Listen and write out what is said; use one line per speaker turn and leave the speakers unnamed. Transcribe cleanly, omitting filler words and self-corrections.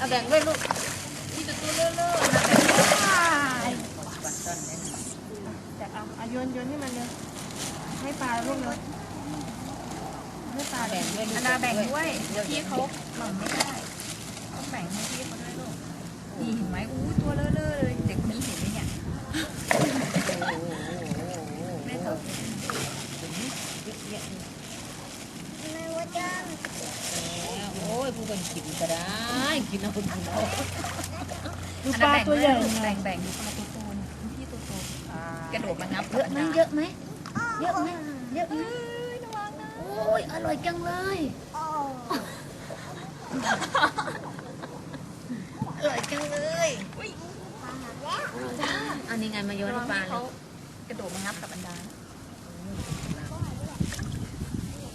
แบ่งด้วยลูกที่จะตัวเลื่อนๆนะแบ่งด้วยบัตรต้นเนี่ยแต่เอาโยนให้มันเลยให้ปลาลูกเลยให้ปลาแบ่งด้วยอันดาแบ่งด้วยพี่เขาหล่นไม่ได้ต้องแบ่งให้พี่เขาด้วยลูกนี่เห็นไหมอู้ตัวเลื่อนเลยเด็กคนนี้เห็นไหมเนี่ยแม่ตอบอะไรวะจ้าโอ้ยผู้คนกินก็ได้กินเอาคนกินเอาดูปลาตัวใหญ่แบ่งดูปลาตัวโตพี่ตัวโตกระโดดมางับเยอะไหมเยอะไหมเยอะไหมระวังนะโอ้ยอร่อยจังเลยอร่อยจังเลยอันนี้ไงมาโยนปลาเขากระโดดมางับกับอันดา